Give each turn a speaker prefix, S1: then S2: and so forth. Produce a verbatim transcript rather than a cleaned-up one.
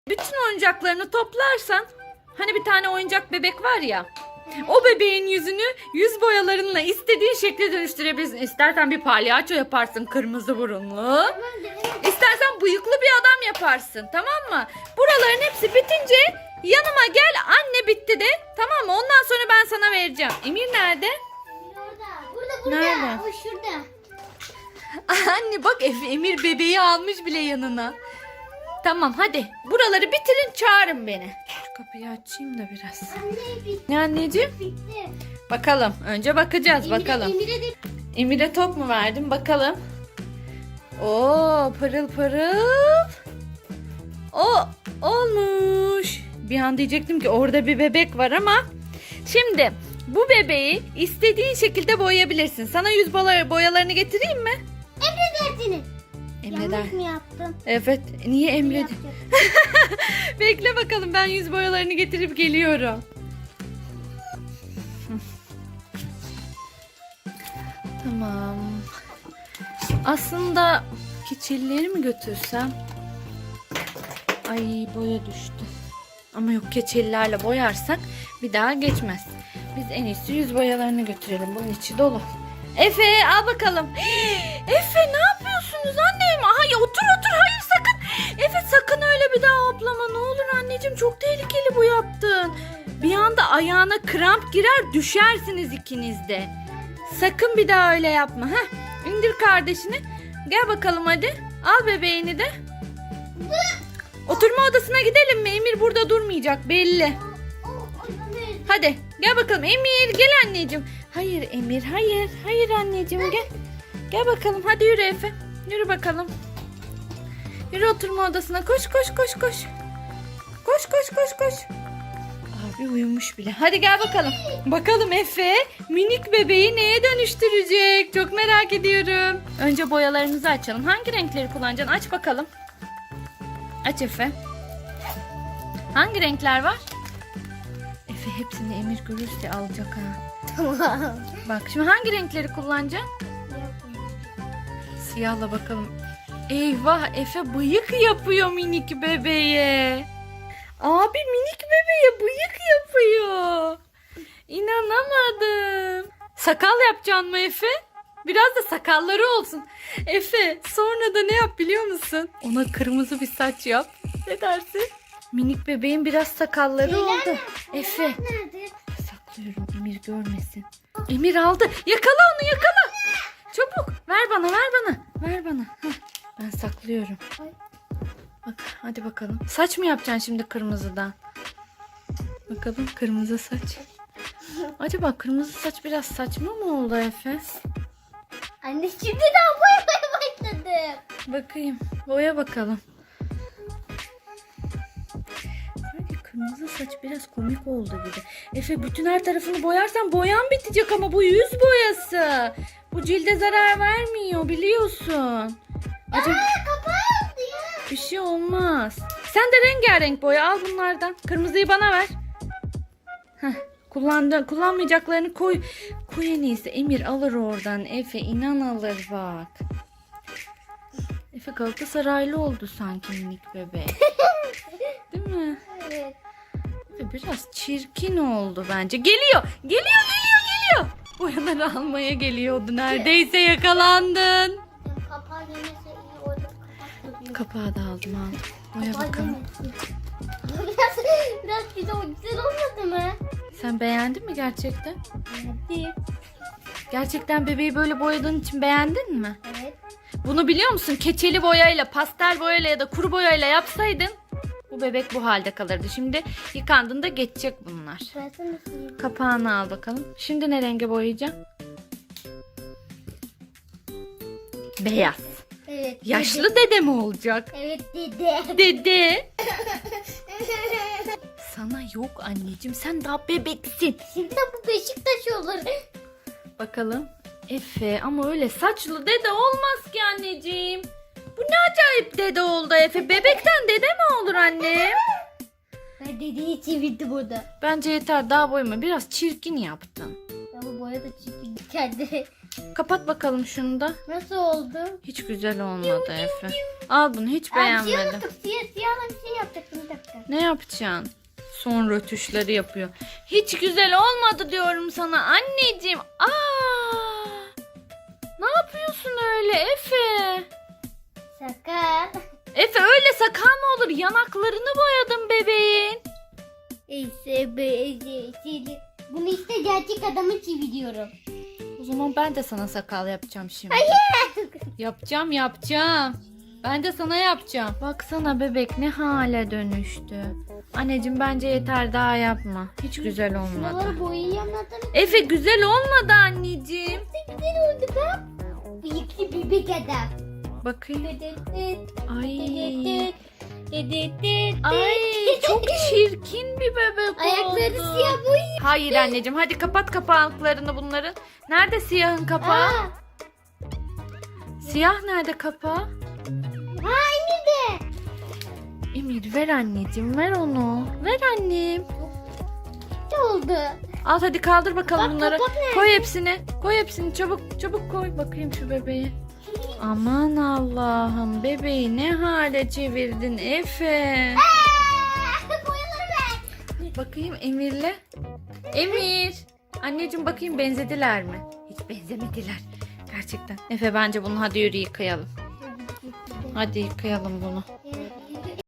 S1: Bütün oyuncaklarını toplarsan, hani bir tane oyuncak bebek var ya, o bebeğin yüzünü yüz boyalarınla istediğin şekle dönüştürebilirsin. İstersen bir palyaço yaparsın, kırmızı burunlu. İstersen bıyıklı bir adam yaparsın, tamam mı? Buraların hepsi bitince yanıma gel, anne bitti de, tamam mı? Ondan sonra ben sana vereceğim. Emir nerede?
S2: Orada. Burada burada.
S1: Nerede?
S2: O şurada.
S1: Anne bak, Emir bebeği almış bile yanına. Tamam hadi, buraları bitirin, çağırın beni. Şu kapıyı açayım da biraz.
S2: Anne bitti.
S1: Ne anneciğim?
S2: Bitti.
S1: Bakalım. Önce bakacağız
S2: Emir'e-
S1: bakalım.
S2: Emir'e de
S1: Emir'e top mu verdim bakalım. Oo, pırıl pırıl. O olmuş. Bir an diyecektim ki orada bir bebek var ama. Şimdi bu bebeği istediğin şekilde boyayabilirsin. Sana yüz boya- boyalarını getireyim mi?
S2: emredersiniz.
S1: Emreder.
S2: Yanlış mı yaptım?
S1: Evet. Niye emredin?
S2: Yapacağım.
S1: Bekle bakalım, ben yüz boyalarını getirip geliyorum. Tamam. Aslında keçelileri mi götürsem? Ay, boya düştü. Ama yok, keçelilerle boyarsak bir daha geçmez. Biz en iyisi yüz boyalarını götürelim. Bunun içi dolu. Efe al bakalım. Efe ne yapıyorsunuz annem? Ay otur otur, hayır sakın. Efe sakın öyle bir daha hoplama, ne olur anneciğim, çok tehlikeli bu yaptığın. Bir anda ayağına kramp girer, düşersiniz ikiniz de. Sakın bir daha öyle yapma. Heh, indir kardeşini. Gel bakalım hadi. Al bebeğini de. Oturma odasına gidelim mi? Emir burada durmayacak belli.
S2: O, o, anne.
S1: Hadi gel bakalım Emir, gel anneciğim. Hayır Emir, hayır. Hayır anneciğim, gel. Gel bakalım, hadi yürü Efe. Yürü bakalım. Yürü oturma odasına, koş koş koş koş. Koş koş koş koş. Abi uyumuş bile. Hadi gel bakalım. Bakalım Efe minik bebeği neye dönüştürecek? Çok merak ediyorum. Önce boyalarımızı açalım. Hangi renkleri kullanacaksın? Aç bakalım. Aç Efe. Hangi renkler var? Efe hepsini Emir görürse alacak ha.
S2: Tamam.
S1: Bak şimdi hangi renkleri kullanacaksın? Siyahla bakalım. Eyvah, Efe bıyık yapıyor minik bebeğe. Abi minik bebeğe bıyık yapıyor. İnanamadım. Sakal yapacaksın mı Efe? Biraz da sakalları olsun. Efe sonra da ne yap biliyor musun? Ona kırmızı bir saç yap. Ne dersin? Minik bebeğin biraz sakalları
S2: Şeyler
S1: oldu.
S2: nerede?
S1: Efe.
S2: Nerede?
S1: Saklıyorum, Emir görmesin. Emir aldı. Yakala onu, yakala. Çabuk. Ver bana, ver bana. Ver bana. Heh, ben saklıyorum.
S2: Ay.
S1: Bak hadi bakalım. Saç mı yapacaksın şimdi kırmızıdan? Bakalım kırmızı saç. Acaba kırmızı saç biraz saçma mı oldu Efe?
S2: Anne şimdiden boyamaya başladım.
S1: Bakayım. Boya bakalım. Sanki kırmızı saç biraz komik oldu gibi. Efe bütün her tarafını boyarsan boyan bitecek ama bu yüz boyası. Bu cilde zarar vermiyor biliyorsun. Acaba
S2: Aa, kapandı ya.
S1: bir şey olmaz. Sen de rengarenk boya al bunlardan. Kırmızıyı bana ver. Heh, kullandı, kullanmayacaklarını koy. Koy en iyisi. Emir alır oradan. Efe inan alır bak. Efe Galatasaraylı oldu sanki minik bebek. Değil mi?
S2: Evet.
S1: Efe biraz çirkin oldu bence. Geliyor. Geliyor geliyor geliyor. Boyaları almaya geliyordu. Neredeyse yakalandın.
S2: Kapağı yemese iyi orada kapak.
S1: Kapağı da aldım aldım. Boya
S2: Kapağı
S1: bakalım.
S2: yemesin. Biraz, biraz güzel, güzel olmadı mı?
S1: Sen beğendin mi gerçekten?
S2: Hadi.
S1: Gerçekten bebeği böyle boyadığın için beğendin mi?
S2: Evet.
S1: Bunu biliyor musun? Keçeli boyayla, pastel boyayla ya da kuru boyayla yapsaydın bu bebek bu halde kalırdı. Şimdi yıkandığında geçecek bunlar.
S2: Versene suyu.
S1: Kapağını al bakalım. Şimdi ne renge boyayacağım? Beyaz.
S2: Evet.
S1: Yaşlı dede mi olacak?
S2: Evet dede.
S1: Dede. Sana yok anneciğim. Sen daha bebeksin.
S2: Şimdi bu Beşiktaş olur.
S1: Bakalım. Efe ama öyle saçlı dede olmaz ki anneciğim. Bu ne acayip dede oldu Efe. Bebekten dede mi olur anne?
S2: Ben dedeyi çevirdim burada.
S1: Bence yeter, daha boyama. Biraz çirkin yaptın.
S2: Ya bu boya da çirkin kendi.
S1: Kapat bakalım şunu da.
S2: Nasıl oldu?
S1: Hiç güzel olmadı Efe. Al bunu, hiç
S2: Aa, siyah
S1: beğenmedim.
S2: unuttuk. Siyah, siyahla bir şey yapacaktım bir dakika.
S1: Ne yapacaksın? Son rötuşları yapıyor. Hiç güzel olmadı diyorum sana anneciğim. Aa! Ne yapıyorsun öyle Efe?
S2: Sakal.
S1: Efe öyle sakal mı olur? Yanaklarını boyadım bebeğin.
S2: Ese be Bunu işte gerçek adamı çeviriyorum.
S1: O zaman ben de sana sakal yapacağım şimdi.
S2: Hayır.
S1: Yapacağım yapacağım. Ben de sana yapacağım. Baksana bebek ne hale dönüştü. Anneciğim bence yeter, daha yapma. Hiç güzel olmadı.
S2: Şuraları boyayamadım.
S1: Efe güzel olmadı anneciğim.
S2: Ne güzel oldu bak. Bıyıklı bebek adam.
S1: Bakayım.
S2: Dededet,
S1: Ay.
S2: dededet, dededet.
S1: Ay çok çirkin bir bebek oldu.
S2: Ayakları siyah boyuyor.
S1: Hayır anneciğim, hadi kapat kapaklarını bunların. Nerede siyahın kapağı?
S2: Aa,
S1: Siyah nerede kapağı?
S2: aynı de.
S1: Emir ver anneciğim, ver onu. Ver annem.
S2: Ne oldu?
S1: Al hadi kaldır bakalım
S2: Bak,
S1: bunları.
S2: kapak nerede?
S1: Koy hepsini. Koy hepsini çabuk çabuk koy bakayım şu bebeği. Aman Allah'ım, bebeği ne hale çevirdin Efe.
S2: Aa, boyaları ver.
S1: Bakayım Emir'le. Emir. Anneciğim bakayım benzediler mi? Hiç benzemediler. Gerçekten. Efe bence bunu hadi yürü yıkayalım. Hadi yıkayalım bunu.
S2: Ya,